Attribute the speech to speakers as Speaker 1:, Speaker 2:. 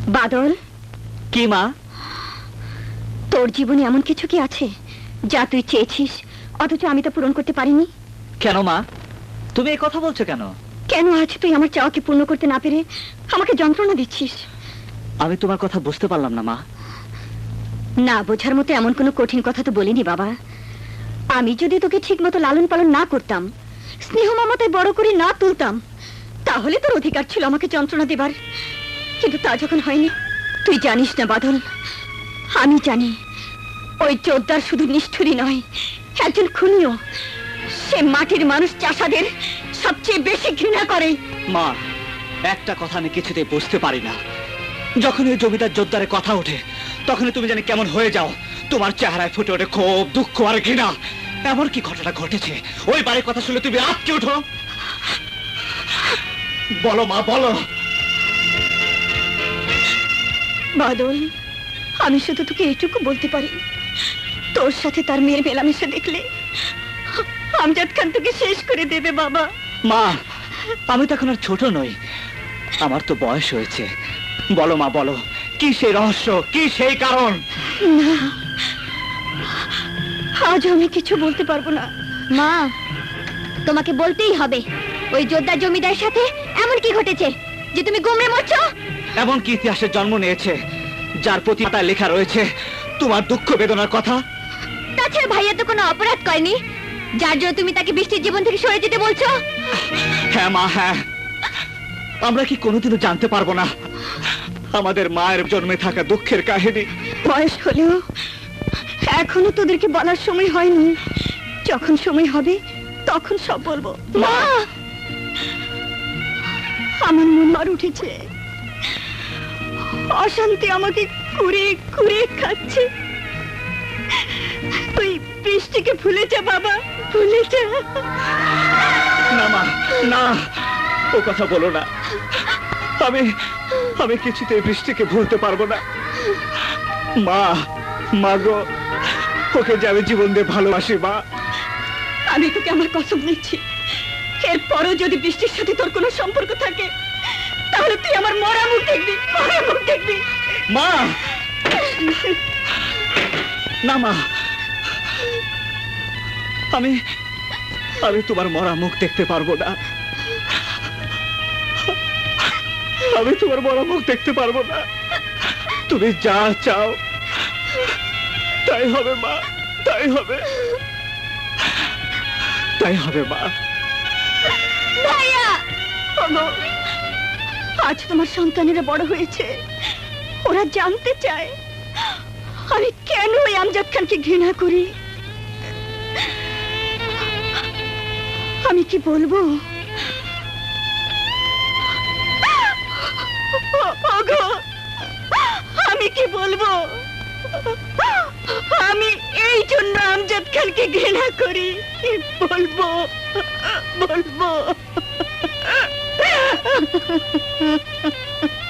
Speaker 1: বাদল,
Speaker 2: কি মা?
Speaker 1: তোর জীবনে এমন কিছু কি আছে যা তুই চেয়েছিস অথচ আমি তা পূরণ করতে পারিনি?
Speaker 2: কেন মা, তুমি এই কথা বলছো কেন?
Speaker 1: কেন আজ তুই আমার চাওয়াকে পূর্ণ করতে না পেরে আমাকে যন্ত্রণা দিচ্ছিস?
Speaker 2: আমি তোমার কথা বুঝতে পারলাম না মা।
Speaker 1: না বোঝার মতো এমন কোনো কঠিন কথা তো বলিনি বাবা। আমি যদি তোকে ঠিক মতো লালন পালন না করতাম, স্নেহ মমতায় বড় করে না তুলতাম, তাহলে তোর অধিকার ছিল আমাকে যন্ত্রণা দেবার। কিন্তু তা যখন হয়নি, তুই জানিস না বাদল, আমি জানি ওই চোদ্দার শুধু নিষ্ঠুরই নয়, একজন খুনিও। সে মাটির মানুষ চাষাদের সবচেয়ে বেশি ঘৃণা করে।
Speaker 2: মা, একটা কথা আমি কিছুতেই বুঝতে পারি না। যখন ওই জমিদার জোরদারের কথা ওঠে, তখনই তুমি জানি কেমন হয়ে যাও। তোমার চেহারায় ফুটে ওঠে ক্ষোভ, দুঃখ আর ঘৃণা। এমন কি ঘটনা ঘটেছে ওই বাড়ির কথা শুনে তুমি আটকে ওঠো? বলো মা, বলো।
Speaker 1: বাদল, আমি শুধু তোকে এইটুকু বলতে পারি, তোর সাথে তার মেয়ের মেলামেশা দেখলে আমজাদ খান তোকে শেষ করে দেবে বাবা।
Speaker 2: মা, আমি তো এখন আর ছোট নই, আমার তো বয়স হয়েছে। বলো মা, বলো, কি সেই রহস্য, কি সেই কারণ?
Speaker 1: না, আজ আমি কিছু বলতে পারবো না। মা, তোমাকে বলতেই হবে, ওই জোরদার জমিদারের সাথে এমন কি ঘটেছে যে তুমি গুমড়ে মরছো?
Speaker 2: এমন কি ইতিহাসের জন্ম নিয়েছে যার প্রতি পাতায় লেখা রয়েছে তোমার দুঃখ বেদনার কথা?
Speaker 1: তাছাড়া ভাইয়া তো কোনো অপরাধ করেনি যার জন্য তুমি তাকে বৃষ্টির জীবন থেকে সরে যেতে বলছো।
Speaker 2: হ্যাঁ মা, হ্যাঁ। আমরা কি কোনোদিনও জানতে পারবো না আমাদের মায়ের জন্মে থাকা দুঃখের কাহিনী?
Speaker 1: বয়স হলেও এখনো তোদেরকে বলার সময় হয়নি। যখন সময় হবে তখন সব বলবো। মা, আমার মন মার উঠেছে, অশান্তি আমাকে কুড়ে কুড়ে খাচ্ছে। তুই বৃষ্টিকে ভুলে যা বাবা, ভুলে যা।
Speaker 2: না মা, না, ও কথা বলো না। আমি আমি কিছুতেই বৃষ্টিকে ভুলতে পারবো না। মা, মা গো, ওকে যে আমি জীবন দিয়ে ভালোবাসি মা।
Speaker 1: আমি তোকে আমার কসম নিচ্ছি, এরপরও যদি বৃষ্টির সাথে তোর কোনো সম্পর্ক থাকে, তাহলে তুই আমার মরা মুখ দেখবি, মরা মুখ দেখবি।
Speaker 2: মা, না মা, আমি আমি তোমার মরা মুখ দেখতে পারবো না। আমি তোমার মরা মুখ দেখতে পারবো না। তুমি যা চাও তাই হবে মা, তাই হবে, তাই হবে মা।
Speaker 1: ভাইয়া, ওগো, আজ তোমার সন্তানেরা বড় হয়েছে, ওরা জানতে চায় আমি কেন ওই আমজাদ খানকে ঘৃণা করি। আমি কি বলবো? ওগো, আমি কি বলবো? আমি এই জন্য আমজাদ খানকে ঘৃণা করি। বলবো, বলবো।